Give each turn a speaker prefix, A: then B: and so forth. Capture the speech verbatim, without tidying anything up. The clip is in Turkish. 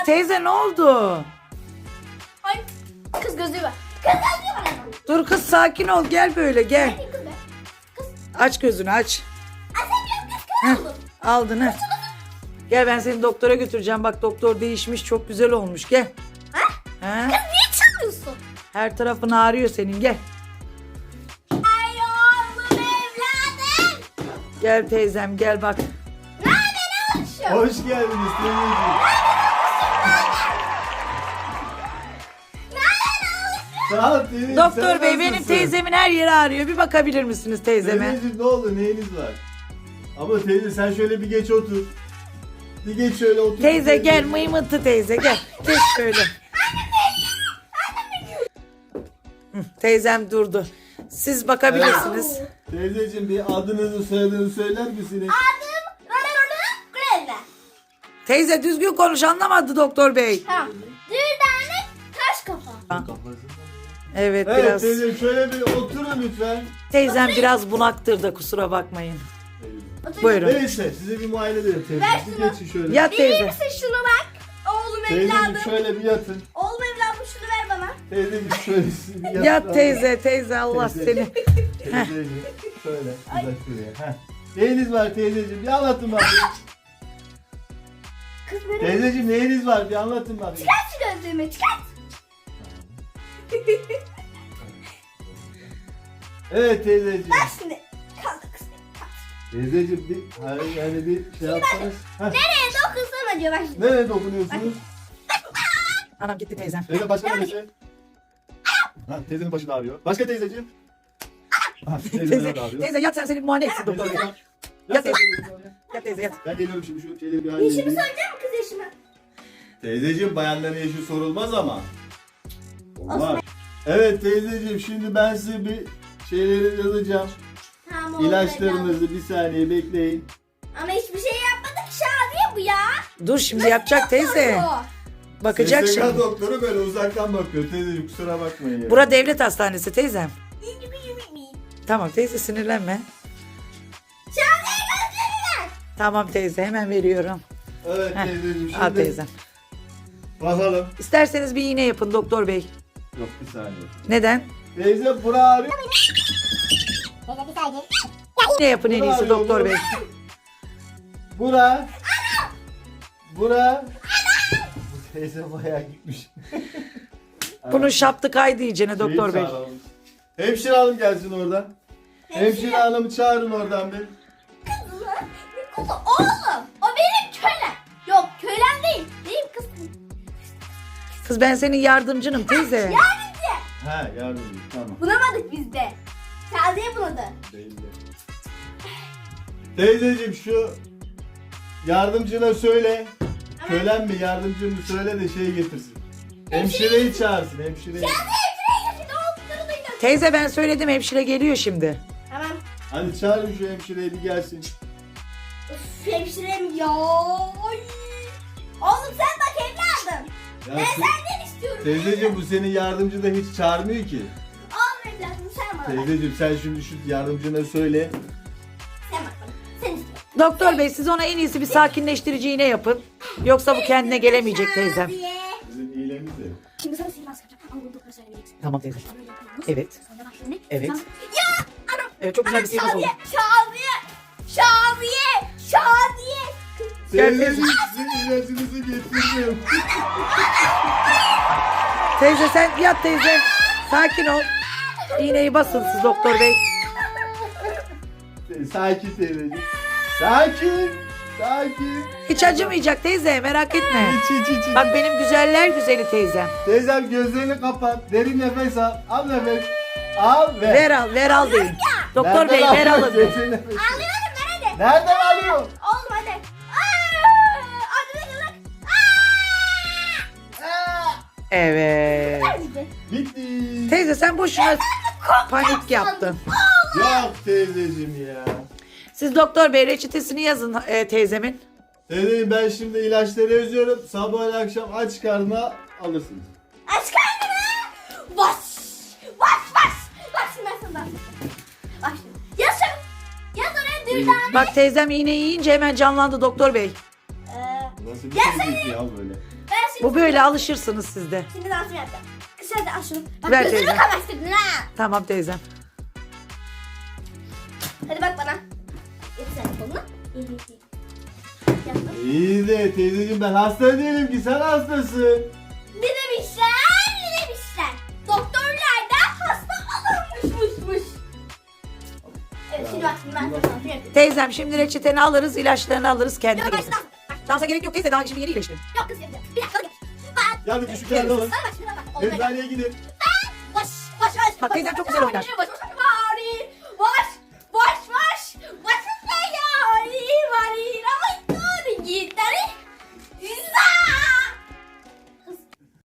A: teyze ne oldu?
B: Ay kız gözlüğü var. Kız gözlüğü var ama.
A: Dur kız sakin ol gel böyle gel.
B: Hadi kız be. Kız.
A: Aç gözünü aç.
B: Açamıyorum kız
A: Heh,
B: kör oldum.
A: aldın ha. Gel ben seni doktora götüreceğim. Bak doktor değişmiş çok güzel olmuş gel.
B: Ha?
A: Ha?
B: Kız niye çalıyorsun?
A: Her tarafın ağrıyor senin gel.
B: Ay oğlum evladım.
A: Gel teyzem gel bak.
B: Ne haber oluşum?
C: Hoş geldiniz teyzeciğim. Sağ ol teyzeciğim.
A: Doktor
C: sen
A: bey benim
C: nasılsın?
A: teyzemin her yeri ağrıyor. Bir bakabilir misiniz teyzeme?
C: Teyzeciğim ne oldu neyiniz var? Ama teyze sen şöyle bir geç otur. Bir geç şöyle otur.
A: Teyze gel mıymıntı teyze gel. Geç şöyle. Hı, teyzem durdu. Siz bakabilirsiniz.
C: Teyzeciğim bir adınızı soyadınızı söyler misiniz?
B: Adım Rarararı Grevle.
A: Teyze düzgün konuş anlamadı doktor bey.
B: Tamam. Dürdane taş kafa.
A: Evet
C: Evet
A: biraz.
C: teyzeciğim şöyle bir oturun lütfen.
A: Teyzem biraz bunaktır da kusura bakmayın.
B: Otur.
A: Buyurun.
C: Neyse size bir muayene edelim teyze.
B: Ver
C: Bir
B: şunu.
C: geçin şöyle.
A: Yat
B: Bilir
A: teyze.
B: misin şunu bak? Oğlum
C: Teyzeciğim
B: evladım.
C: şöyle bir yatın.
B: Oğlum evladım şunu ver bana.
C: Teyzeciğim şöyle siz bir yatın.
A: Yat teyze teyze Allah
C: Teyze.
A: seni.
C: Teyzeciğim şöyle uzak şuraya. Heh. Neyiniz var teyzeciğim bir anlatın bakayım.
B: Kız benim.
C: Teyzeciğim neyiniz var bir anlatın bakayım.
B: Çıkart şu gözlüğümü çıkart.
C: Evet teyzeciğim.
B: Ver şimdi. Kaldı kız. Kalk.
C: Teyzeciğim bir hani yani bir şey yapsanız. Heh.
B: Nereye dokunsam acaba bak şimdi.
C: Nereye dokunuyorsunuz?
A: Anam gitti teyzem.
C: Teyze başka neresi? Ha, teyzenin başı da ağrıyor. Başka teyzeciğim? Ha, teyzenin
A: Teyze,
C: de ağrıyor.
A: teyze yat sen seni bir muayene etsin doktor bey.
C: Teyze,
A: Yat
C: yat
A: teyze.
C: teyze.
A: Yat teyze yat.
C: Ben geliyorum şimdi şu şeyleri bir
B: Yaşımı
C: halledeyim.
B: soracak mı kız yaşımı?
C: Teyzeciğim bayanların yaşı sorulmaz ama. Olmaz. Evet teyzeciğim şimdi ben size bir şeyleri yazacağım.
B: Tamam oğlum evladım.
C: İlaçlarınızı bir saniye bekleyin.
B: Ama hiçbir şey yapmadık Şadiye bu ya.
A: Dur şimdi yapacak teyze.
B: Bu.
A: Bakacak
C: S S K
A: şimdi.
C: doktoru böyle uzaktan bakıyor. Teyzeciğim kusura bakmayın ya.
A: Bura devlet hastanesi teyzem.
B: İyi mi iyi mi iyi.
A: Tamam teyze sinirlenme.
B: Şadiye gözlüğünü ver.
A: Tamam teyze hemen veriyorum.
C: Evet
A: Heh,
C: teyzeciğim şimdi.
A: al teyzem.
C: Bakalım.
A: İsterseniz bir iğne yapın doktor bey.
C: Yok bir saniye.
A: Neden?
C: Teyze bura ağrıyor.
B: Teyze bir saniye.
A: İğne yapın en iyisi doktor bey.
C: Bura. Bura. Bu teyze bayağı gitmiş.
A: Bunun şaptı kaydı iyicene doktor
C: Şeyi
A: bey.
C: çağıralım. Hemşire hanım gelsin oradan. Hemşire hanımı çağırın oradan bir.
B: Kız lan. Ne kızı oğlum? O benim kölem. Yok kölem değil. Benim kızım.
A: Kız ben senin yardımcınım teyze.
B: Yardımcı.
C: Ha yardımcı tamam.
B: Bulamadık biz de. Şadiye buladı.
C: Değil de. Teyzeciğim şu yardımcına söyle. Kölen mi yardımcı mı söyle de şey getirsin. Hemşireyi çağırsın hemşireyi.
B: Şadiye şuraya getirdi. Oğlum duydum.
A: Teyze ben söyledim hemşire geliyor şimdi.
B: Tamam.
C: Hadi çağırın şu hemşireyi bir gelsin.
B: Üf, hemşirem ya. Ay. Oğlum sen bak evladım.
C: Ya
B: Ben
C: te-
B: senden istiyorum.
C: teyzeciğim bu senin yardımcı da hiç çağırmıyor ki.
B: Oğlum evladım sen bana bak.
C: Teyzeciğim sen şimdi şu yardımcına söyle.
B: Sen bak bana. Sen istiyorum.
A: Doktor bey siz ona en iyisi bir sakinleştirici iğne yapın. Yoksa bu kendine gelemeyecek teyzem.
B: Şadiye.
C: Sizin iyiliğiniz de.
B: Şimdi sana sihirbaz yapacağım. Ama bunu doktora söylemeyeceksin.
A: Tamam teyze.
B: Böyle yapıyoruz.
A: Evet.
B: Sonra bak şimdi.
A: Evet.
B: Sonra- Ya! Anam!
A: Evet çok güzel bir sihirbaz oldu.
B: Şadiye! Şadiye! Şadiye! Şadiye!
A: Gel
C: Teyzeciğim sizin ilacınızı getirdim.
A: Teyze sen yat teyze. Sakin ol. İğneyi basın siz doktor bey.
C: Sakin teyzeciğim. Sakin. Sakin.
A: Hiç acımayacak teyze merak etme.
C: İç iç iç. iç.
A: Bak benim güzeller güzeli teyzem.
C: Teyzem gözlerini kapat. Derin nefes al. Al nefes. Al ve.
A: Ver al ver al deyin. Doktor
C: Nereden
A: bey ver
C: alıyorsun?
A: alın.
C: Derin nefes.
B: Alıyorum ben hadi.
C: Nereden alıyor?
B: Oğlum hadi. Aa! Hadi hadi hadi. Aa!
A: Evet.
B: Hadi.
C: Bitti.
A: Teyze sen boşuna panik yaptın.
C: Yok teyzeciğim ya.
A: Siz doktor bey reçetesini yazın e, teyzemin.
C: Teyzeciğim ben şimdi ilaçları yazıyorum. Sabah ile akşam aç karnına alırsınız.
B: Aç karnını. Bas. Bas bas. Bak şimdi ben sana. Bak şimdi. Yaz şunu. Yaz oraya dürdane.
A: Bak teyzem iğneyi yiyince hemen canlandı doktor bey.
B: Ee,
C: Nasıl bir
B: Ya
C: şey değil ki ya böyle.
B: ben şimdi.
A: Bu böyle alışırsınız siz de.
B: Şimdi dansımı yapacağım. Kısa da al şunu. Bak
A: Ver
B: gözümü
A: teyze.
B: kamaştırdın ha.
A: Tamam teyzem.
B: Hadi bak bana. Getir sen kolunu. İyi iyi iyi. Yaptım.
C: İyi de teyzeciğim ben hasta değilim ki sen hastasın.
B: Ne demişler? Ne demişler? Doktorlar da hasta olurmuşmuşmuş. Evet şimdi bak şimdi ben sana dansımı yapayım.
A: Teyzem şimdi reçeteni alırız, ilaçlarını alırız kendine
B: Yok
A: gelirsin.
B: başla. Bak,
A: Dansa gerek yok teyze, daha şimdi yeni iyileştin.
B: Yok kız yapacağım. Bir dakika gel. Bak.
C: Yani küçük kenarda olun.
B: Bak bak şimdi bak. Olmaya
C: Eczaneye gidin.
B: Baş baş baş.
A: Bak, teyzem çok güzel oynar.
B: Baş, baş, baş.